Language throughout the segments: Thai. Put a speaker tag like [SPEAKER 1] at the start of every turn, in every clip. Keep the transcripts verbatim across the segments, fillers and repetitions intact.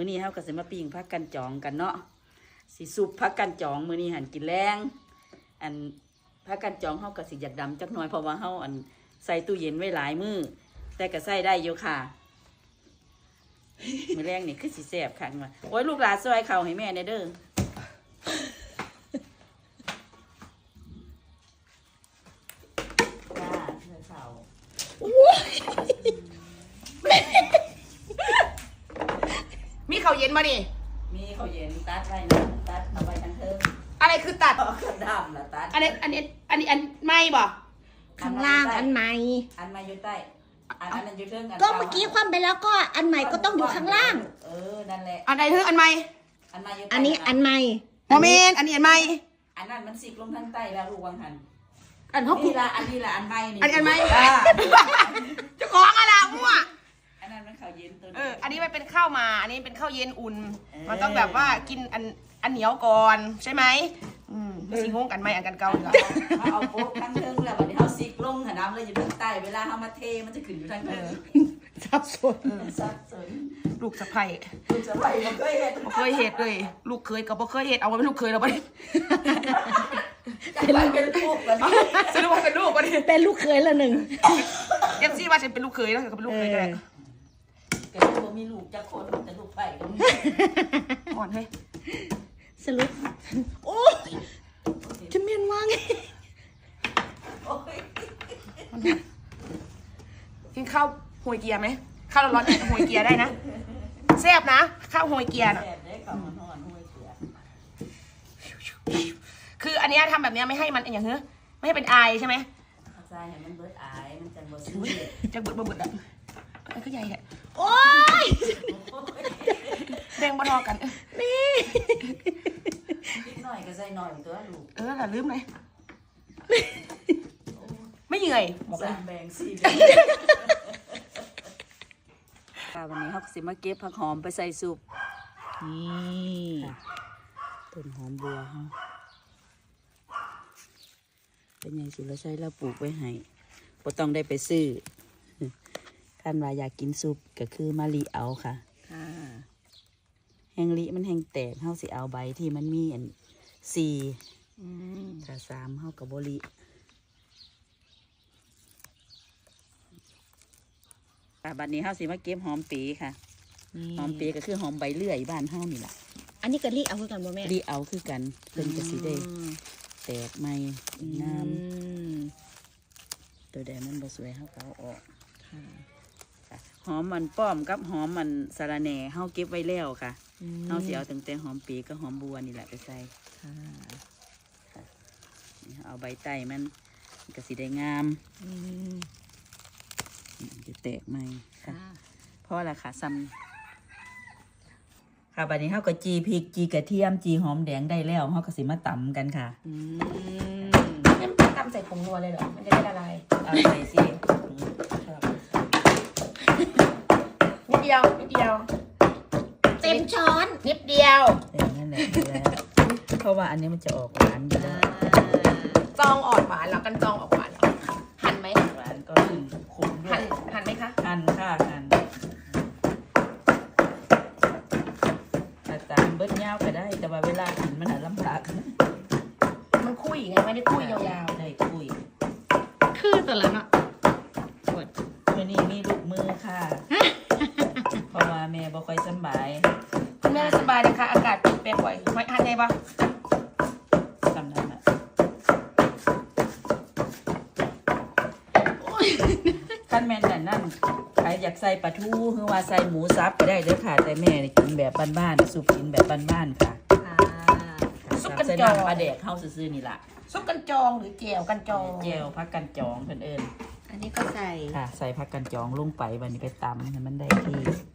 [SPEAKER 1] มื้อนี้เฮาก็สิมาปิ้งผักกันจองกันเนาะสิซุปผักกันจองมื้อนี้หันกินแรงอันผักกันจองเฮาก็สิอยากดำจักหน่อยเพราะว่าเฮาอันใส่ตู้เย็นไว้หลายมื้อแต่ก็ใส่ได้อยู่ค่ะมื้อแรงนี่คือสิแซ่บคักว่าโอ้ยลูกหลานซอยข้าวให้แม่ได้เด้อจ้าซอยข้าว
[SPEAKER 2] มีข้าวเย็นมาดิ
[SPEAKER 1] มีข้าวเย็นตัดไว้นะตัดเอาไว้ทั้งเทิง
[SPEAKER 2] อะไรคือตัด
[SPEAKER 1] เอากระดามละตัด
[SPEAKER 2] อันนี้อันนี้อันนี้อันไม่บ่
[SPEAKER 3] ข้างล่างอันใหม่
[SPEAKER 1] อันใหม่อยู่ใต้อันนั้นอยู่เทิงอัน
[SPEAKER 3] ก็เมื่อกี้คว่ำไปแล้วก็อันใหม่ก็ต้องอยู่ข้างล่าง
[SPEAKER 1] เออนั่นแหละ
[SPEAKER 2] อันไหนคืออันไม่
[SPEAKER 1] อันใหม่อยู่
[SPEAKER 3] อันนี้อันใหม่
[SPEAKER 2] โมเมนอันนี้อันไม่
[SPEAKER 1] อันนั้นมันสิบลงทางใต้แล้วลูกวังหัน
[SPEAKER 2] อันเขา
[SPEAKER 1] นี่ละอันนี้ละอันใหม่นี่
[SPEAKER 2] อันอันไม่จะของอะไรมั่ว
[SPEAKER 1] อันนั้นมันข้าวเย็นตัว
[SPEAKER 2] เอออันนี้มันเป็นข้าวมาอันนี้เป็นข้าวเย็นอุ่นมันต้องแบบว่ากินอันอันเหนียวก่อนใช่ไหมอืมสิงงกันไหมอันกันเก่าเหรอ
[SPEAKER 1] เขาเอาโป๊กทางเทิงแล้ววันนี้เขาซิกลงหันน้ำเลยอยู่ทางใต้เวลาเขามาเทมันจะขึ้นอยู่ทางเทิง
[SPEAKER 3] ซับซ้อน
[SPEAKER 1] ซับซ้อน
[SPEAKER 2] ลูกสะใภ้
[SPEAKER 1] ลูกสะใภ้มันเคยเห็ด
[SPEAKER 2] บ่เคยเห็ดเลยลูกเคยกับบ่เคยเห็ดเอาไว้เป็นลูกเคยเราไป
[SPEAKER 1] เป็นลูกกัน
[SPEAKER 2] สรุปว่าเป็นลูกกัน
[SPEAKER 3] เป็นลูกเคยละหนึ่ง
[SPEAKER 2] เอฟซีว่าฉันเป็นลูกเคยแล้วก็เป็นลูกเคยกัน
[SPEAKER 1] แกตัวมีลูกจะคนแต่ลูกไปกัน
[SPEAKER 2] อ่อนเฮ้ย
[SPEAKER 3] สรุปโอ้จะเมียนว่าไง
[SPEAKER 2] กินข้าวหวยเกียร์ไหมข้าวร้อนๆหวยเกียร์ได้นะแซ่บนะข้าวหวยเกียร์น่ะคืออันนี้ทำแบบนี้ไม่ให้มันอย่างเงี้ยไม่ให้เป็นไอใช่ไหม
[SPEAKER 1] ใช่มันเบิดไอมันจะเบิด
[SPEAKER 2] จะเบิดเบิดอ่ะอันก็ใหญ่แหละ
[SPEAKER 3] โอ้ย
[SPEAKER 2] แบ่งบนอกัน
[SPEAKER 3] นี่
[SPEAKER 1] นิดหน่อยก็ใส่หน่อยตัวลูก
[SPEAKER 2] เออแต่ลืมเลยไม่เหนื่อยบอกเลย
[SPEAKER 1] แบ่งสี่ค่ะวันนี้เขาสิมาเก็บผักหอมไปใส่ซุปนี่ต้นหอมบัวเขาเป็นยังสุรชัยเราปลูกไว้ให้บ่ต้องได้ไปซื้อท่านว่าอยากกินซุปก็คือมะลิเอาค่ะแห้งลิมันแห้งแตกเขาสิเอาใบที่มันมีอันสี่ถ้าสามเขากับบลิบัดนี้เขาสิมาเก็บหอมปีค่ะหอมปีก็คือหอมใบเลื่อยบ้านเฮานี่แหละ
[SPEAKER 3] อันนี้ก็รีเอาคือกันบ่แม่
[SPEAKER 1] รีเอาคือกันเพิ่นก็สิได้แตกใหม่น้ำตัวแดงมันบ่สวยเฮาก็เอาออกหอมมันป้อมกับหอมมันสะระแหน่เฮาเก็บไว้แล้วค่ะเฮาสิเอาตั้งแต่หอมปีกับหอมบัวนี่แหละไปใส่เอาใบไต้มันก็สิได้งามจะแตกใหม่ค่ะเพราะอะไรค่ะซ้ำค่ะบัดนี้เฮาก็จีพริกจีกระเทียมจีหอมแดงได้แล้วเฮาก็สิมาตำกันค่ะ
[SPEAKER 2] ตำใส่ผงนัวเลยเหรอมันจะได้ละลาย
[SPEAKER 1] เอาใส่สิ
[SPEAKER 2] นิดเดียวนิดเดียว
[SPEAKER 3] เต็มช้อน
[SPEAKER 2] นิดเดียว
[SPEAKER 1] เออนั่นแหละแล้วเพราะว่าอันนี้มันจะออกหวานอยู่แล้ว
[SPEAKER 2] จองอ่อนหวานแล้วกันจองออกหวานเหรอหั่นไหม
[SPEAKER 1] หวานก็คือขมด้วย
[SPEAKER 2] หั่นหั่นไหมคะ
[SPEAKER 1] หั่นค่ะหั่นแต่ตามเบิ้ลยาวก็ได้แต่ว่าเวลากินมันหาลำบาก
[SPEAKER 2] มันคุยไงไม่ได้คุยยาว
[SPEAKER 1] ๆได้คุย
[SPEAKER 3] คือตัวละเนาะ
[SPEAKER 1] กดตัวนี้มีลูกมือค่ะเพราะว่าแม่บ่ค่อยสบาย
[SPEAKER 2] คุณแม่สบายนะคะอากาศแปรปรวนไม่หั่นได้ปะ
[SPEAKER 1] กำลังอ่ะขั้นแม่นนั่นนั่นใครอยากใส่ปลาทูหรือว่าใส่หมูสับก็ได้เด้อค่ะแต่แม่กินแบบบ้านๆซุปกินแบบบ้านๆค่ะ
[SPEAKER 2] ซุปกันจอง
[SPEAKER 1] ปลาแดกเข้าซื่อๆนี่ล่ะ
[SPEAKER 2] ซุปกันจองหรือแจ่วกันจอง
[SPEAKER 1] แจ่วผักกันจองเพิ่นเอิ้น
[SPEAKER 3] อันนี้ก็ใส่
[SPEAKER 1] ค่ะใส่ผักกันจองลงไปวันนี้ไปตำให้มันได้ที่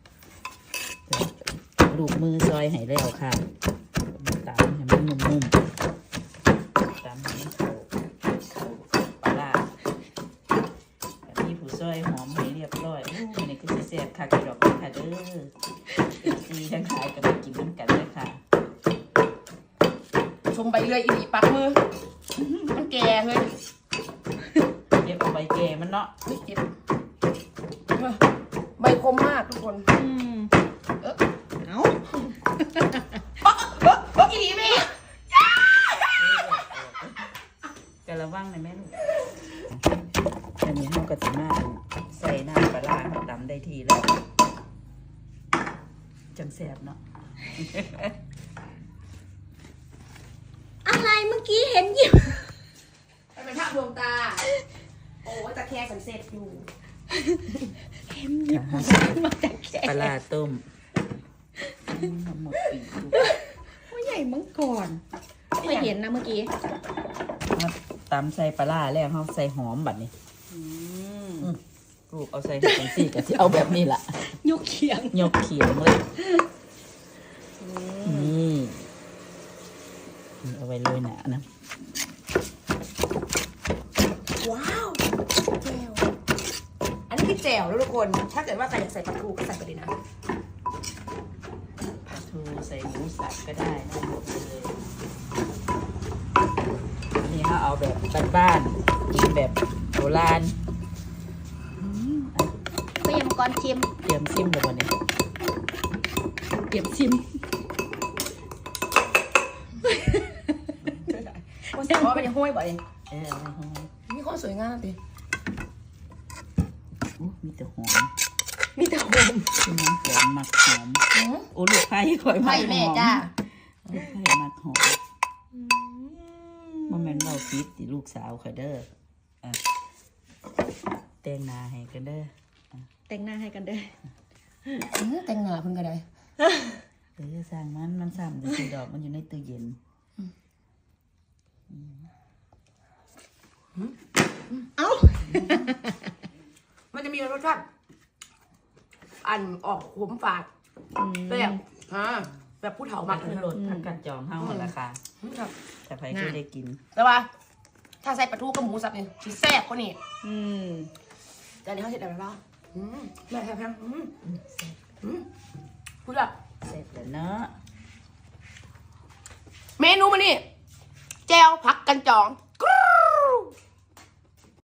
[SPEAKER 1] ลูกมือซอยให้แล้วค่ะตำให้มันนุ่มๆตำให้มันเข้าปลาร้าแบบนี้ผู้ซอยหอมให้เรียบร้อยอู้นี่คือสิแซ่บค่ะกระดอกค่ะเด้อซีทั้งขายก็ไปกินน้ำกันเลยค่ะ
[SPEAKER 2] ชมใบเลื่อยอีหลีปักมือมันแก่เลย
[SPEAKER 1] เก็บเอาใบแก่มันเนาะ
[SPEAKER 2] เก็บใบคมมากทุกคน
[SPEAKER 3] อืมเออเอา
[SPEAKER 2] เมื่อกี้นี้แม่
[SPEAKER 1] กระวังเลยแม่ลูกอันนี้เขาก็จะมาใส่น้ำปลาร้าเขาตำได้ทีแล้วจังแสบเนาะ
[SPEAKER 3] อะไรเมื่อกี้เห็นหยิบ
[SPEAKER 2] มันเป็นภาพดวงตา โอ้ยตะแคงสันเสร็จอยู่
[SPEAKER 3] เห็นหยิบมาจากแข
[SPEAKER 1] ปลาร้าต้มทั้งหมดปีกลูก
[SPEAKER 3] ว่าใหญ่มังก่อนไม่เห็นนะเมื่อกี้
[SPEAKER 1] มาตำใส่ปลาร้าแล้วเขาใส่หอมบัดนี้
[SPEAKER 3] อืม
[SPEAKER 1] ลูกเอาใส่ถุงซี่กับที่เอาแบบนี้ล่ะ
[SPEAKER 3] ยกเขียง
[SPEAKER 1] ยกเขียงเลยนี่เอาไว้เลยหนานะ
[SPEAKER 2] ว้าวแจ่วอันนี้คือแจ่วแล้วทุกคน ถ้าเกิดว่าใครอยากใส่ปลาทูก็ใส่ไปเลยนะ
[SPEAKER 1] ปลาทูใส่หมูสับก็ได้ได้หมดเลยอันนี้เขาเอาแบบบ้านๆกินแบบโบราณ
[SPEAKER 3] ก็ยังก่อนชิม
[SPEAKER 1] เตรียมซิมเลยวันนี้
[SPEAKER 3] เก็บชิม
[SPEAKER 2] คนแต่ว่าเป็นห้วยบ่อย
[SPEAKER 1] เออเอาไว้ให้
[SPEAKER 2] มีคนสวยงามดิ
[SPEAKER 1] อู้มีแต่หอม
[SPEAKER 2] มีแต่หอม
[SPEAKER 1] คือน้ำหอมมักหอมโอ้ลูกไผ่ข่อยมั
[SPEAKER 2] ไผ่
[SPEAKER 1] กหอม
[SPEAKER 2] แม่จ้า
[SPEAKER 1] ลูกไผ่มักหอมบ่แม่นเบาฟิตติลูกสาวข่อยเด้ออ่ะแต่งหน้าให้กันเด้อ
[SPEAKER 3] แต่งหน้าให้กันเด้อ
[SPEAKER 2] แต่งหน้าเพิ่นก็ได้
[SPEAKER 1] เออสร้างมันมันซ้ำจะสีดอกมันอยู่ในตู้เย็น
[SPEAKER 3] เอ้า
[SPEAKER 2] มันจะมีรสชาติอันออกขมฝาดแบบอ่าแบบผู้เฒ่า
[SPEAKER 1] มั
[SPEAKER 2] มั
[SPEAKER 1] ก
[SPEAKER 2] ก
[SPEAKER 1] ขึ้นรถพักกันจองเฮาหมดราคา
[SPEAKER 2] ครับ
[SPEAKER 1] แต่ใครเคยได้กิน
[SPEAKER 2] แต่ว่า ถ้าใส่ปลาทูกับหมูสับเนี่ยชิแซ่บกว่านี่
[SPEAKER 3] อืม
[SPEAKER 2] แต่อันนี้เขาเสร็จแล้วแล้วอืมแม่แพงๆอืมอืมพูดแบบ
[SPEAKER 1] เสร็จแล้วเนาะ
[SPEAKER 2] เมนูมานี่แจวผักกันจอง